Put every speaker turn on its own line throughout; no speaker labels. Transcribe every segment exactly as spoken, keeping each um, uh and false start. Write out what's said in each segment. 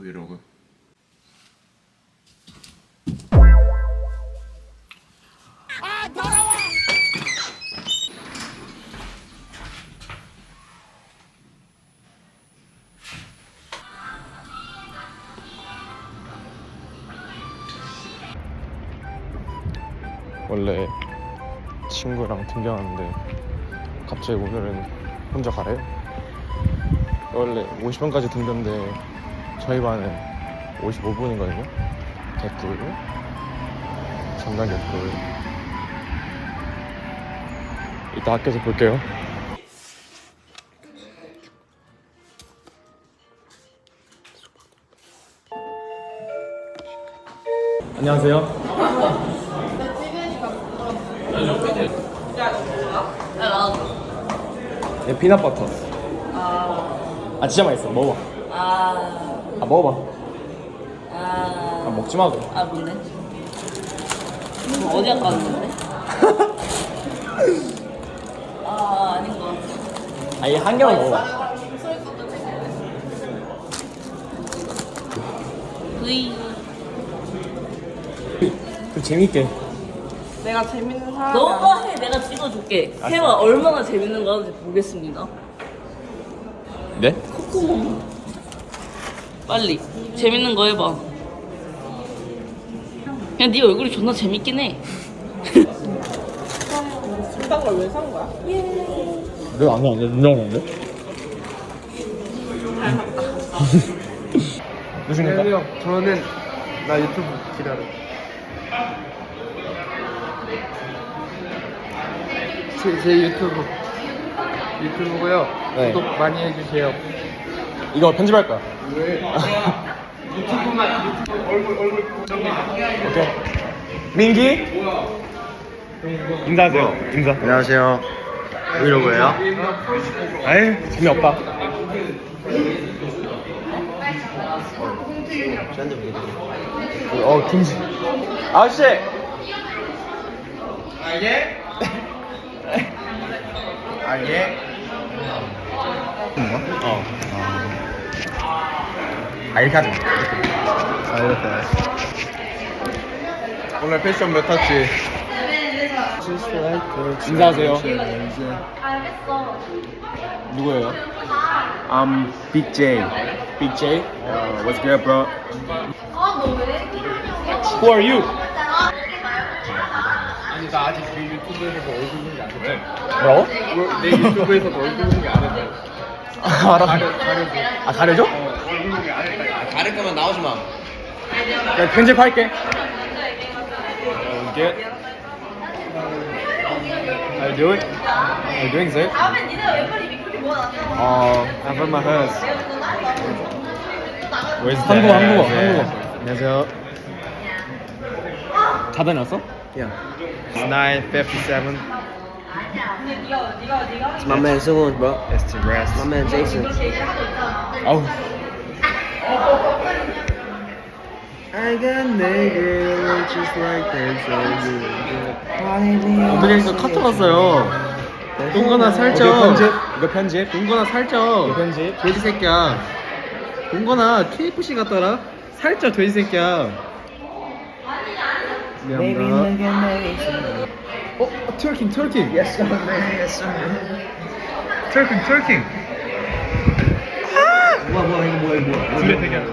브이로그. 아 더러워. 원래 친구랑 등교하는데 갑자기 오늘은 혼자 가래요? 원래 오십 분까지 등교인데 저희 반은 오십오 분이거든요. 개꿀. 장난 개꿀. 이따 학교에서 볼게요. 안녕하세요. 네, 피넛버터.
아,
아 진짜 맛있어. 먹어봐.
아,
아 먹어봐.
아,
아 먹지 마 그래.
아 뭔데? 뭐 어디 갔다 왔는데? 아, 아닌 것 같아.
아얘 한 개만 먹어봐.
V.
좀 재밌게.
내가 재밌는 사람.
너가 해, 내가 찍어줄게. 해봐, 얼마나 재밌는 거 하는지 보겠습니다.
네?
콧구멍. 빨리, 재밌는 거 해봐. 그냥 네 얼굴이 존나 재밌긴 해.
비싼 걸 왜 산 거야?
내가 안 해, 안 해. 누나가 안 돼? 무슨일까?
안녕하세요. 저는 나 유튜브 기다려. 제, 제 유튜브 유튜브고요.
네.
구독 많이 해주세요.
이거 편집할 거야.
왜? 유튜브만 유튜브 얼굴 얼굴 정리.
오케이. 민기? 인사하세요. 인사.
안녕하세요. 브이로그예요.
에이 재미없다. 어 김치. 아저씨.
아 예? 아 예?
어. 아 이렇게 하지 마.
아 이렇게. 오늘 패션 몇 탔지?
인사하세요. 누구예요?
I'm Big J.
Big J.
Uh, what's good, bro?
Who are you?
아니 나 아직 내 유튜브에서 얼굴 공개 안 했어.
뭐라고?
내 유튜브에서 얼굴 공개 안 했어.
아, 알아.
가려 가려줘.
아 가려줘?
얼굴 공개 안 했다. 가릴 거면 나오지 마.
야 편집할게. 어, get. How you doing? How you doing, sir? 어, I'm from my house. Where's 한국어, 한국어, 한국어.
안녕하세요.
다 다녔어?
Yeah. It's nine fifty-seven.
It's my man Zoon, bro.
It's to rest.
My man Jason.
아우.
I got nigga just like this.
오늘에서 카톡 왔어요. 동건아 살쪄.
이거 편집?
이거 편집? 동건아 살쪄. 이거 편집? 돼지 새끼야. 동건아 케이에프씨 같더라. 살쪄 돼지 새끼야. 미안합니다. 어? 어 트월킹 트월킹.
Yes, sir, man. Yes, sir.
트월킹 트월킹.
뭐야 뭐야 이거 뭐야 이거 뭐야.
준비 되게.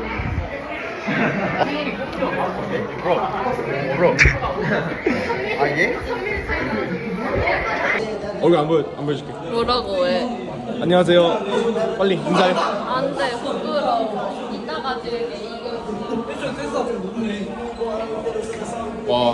브로. 브로.
아 예?
얼굴 안 보여 안 보여줄게.
뭐라고 해?
안녕하세요. 빨리 인사해.
안 돼, 부끄러워. 이따가 들게, 이거.
와.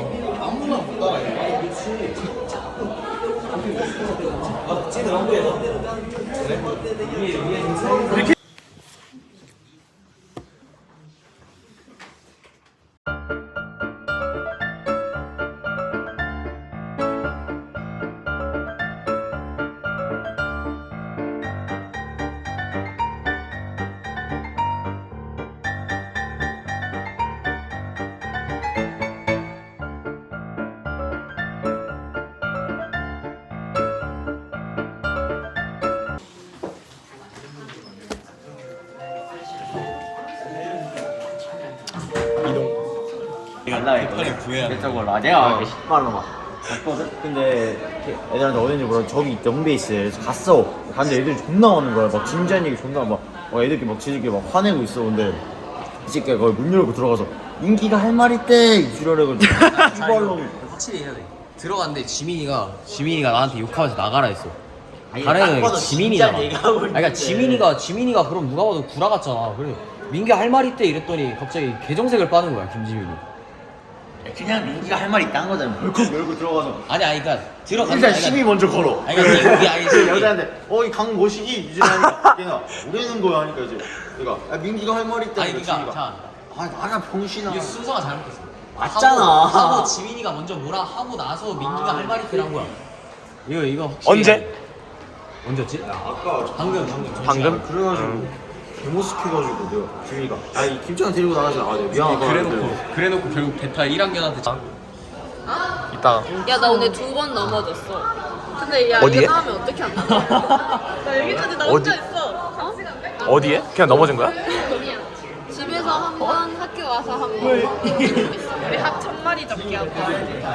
갈라 했거든. 그래서 내가 이렇게 신발로 막 갔거든. 근데 애들한테 어딘지 몰라 저기 영베이스에 갔어. 갔는데 애들이 존나 오는 거야. 막 진지한 얘기 존나 막 어, 애들끼리 막 지들끼리 막 화내고 있어. 근데 이 새끼가 거기 문 열고 들어가서 민기가 할 말 있대 이지랄해가지고 신발로
확실히 해야 돼. 들어갔는데 지민이가 지민이가 나한테 욕하면서 나가라 했어.
아니,
다른
딱
애는
봐도
지민이잖아.
진짜 얘기하고
아니, 그러니까
있는데.
지민이가 지민이가 그럼 누가 봐도 구라 같잖아. 그래 민기 할 말 있대 이랬더니 갑자기 개정색을 빠는 거야 김지민이.
그냥 민기가 할 말 있다는 거잖아. 벌컥 열고 들어가서
아니 아니 그러니까 들어가.
일단 시비 먼저 걸어.
아니 그러니까 이게 아니지.
여자한테 어이 강 모시기 이지랄하니까 걔가 모르는 거야 하니까 이제 얘가 아, 민기가 할 말 있다.
아니 그러니까 자
아 나가 병신아.
이게 순서가 잘못됐어.
맞잖아.
하고, 하고 지민이가 먼저 뭐라 하고 나서 민기가 할 말 있대 한 거야. 이거 이거 확실히
언제?
언제였지?
아까
방금 방금
방금?
그래가지고 개모습해가지고 내가 지민이가 아이 김찬 데리고 나가지 나가자 미안하다.
그래놓고 그래놓고 결국 대타 일 학년한테 장.
이따
야 나 오늘 두 번 넘어졌어. 근데 야
어디에?
이거 나오면 어떻게 안 나와? 나 여기까지 나 혼자
어디?
있어. 어?
어디에? 그냥 넘어진 거야?
집에서 한 번, 학교 와서 한 번. 우리 합천 마리 잡기 한다.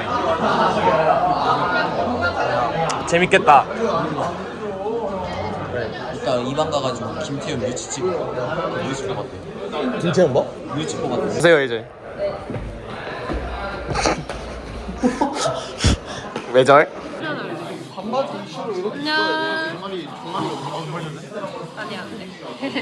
재밌겠다.
이따 이방 가가지고 김태현 뮤지 찍고 뮤지 뽑았대.
김태형 뭐?
뮤지 뽑았대.
보세요 이제. 외절?
안녕. 아니 안 돼.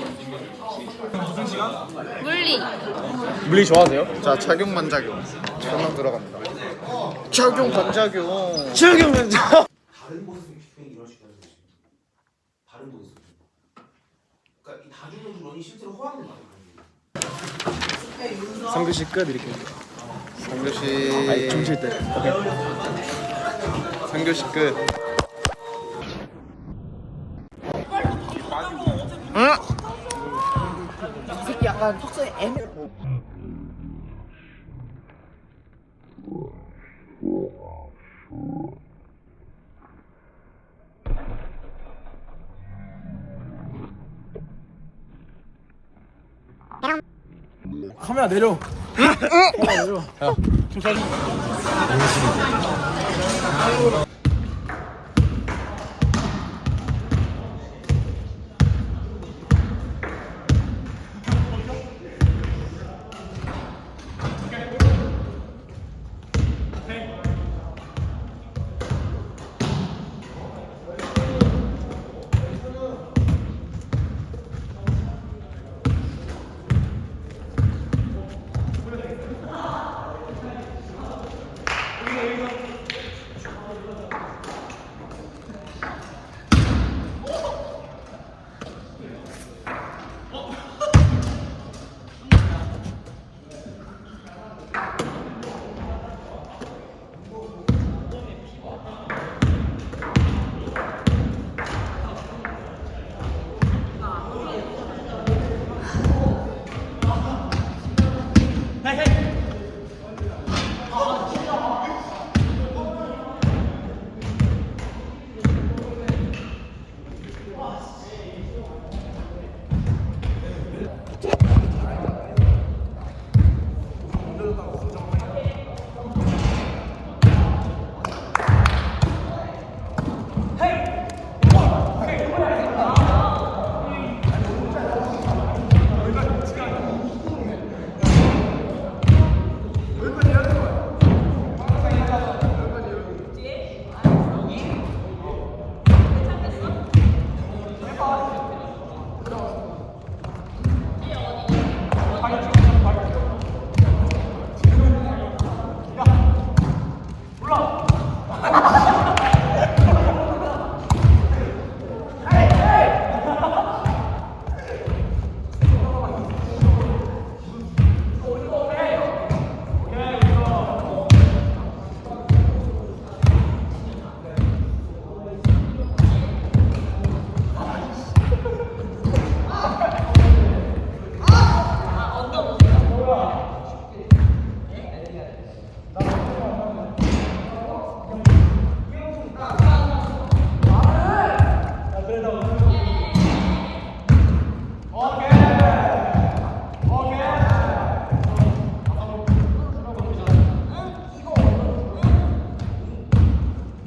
물리.
물리 좋아하세요? 자, 착용 반작용. 전망 들어갑니다. 착용 반작용. 착용 반작.
다른 곳에서 휘핑이 이런 식으로 하는 다른 곳에서. 그러니까 이 다중우주론이 실제로 허황된 말이에요.
삼 교시 끝 이렇게. 삼 교시 춤출 때. 오케이. 삼 교시 끝.
응?
이 새끼 약간 턱선이 애매. 카메라 내려. 카메라 내려. 야, 좀 사진.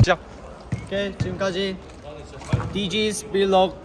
시작.
오케이 지금까지 디지's 빌록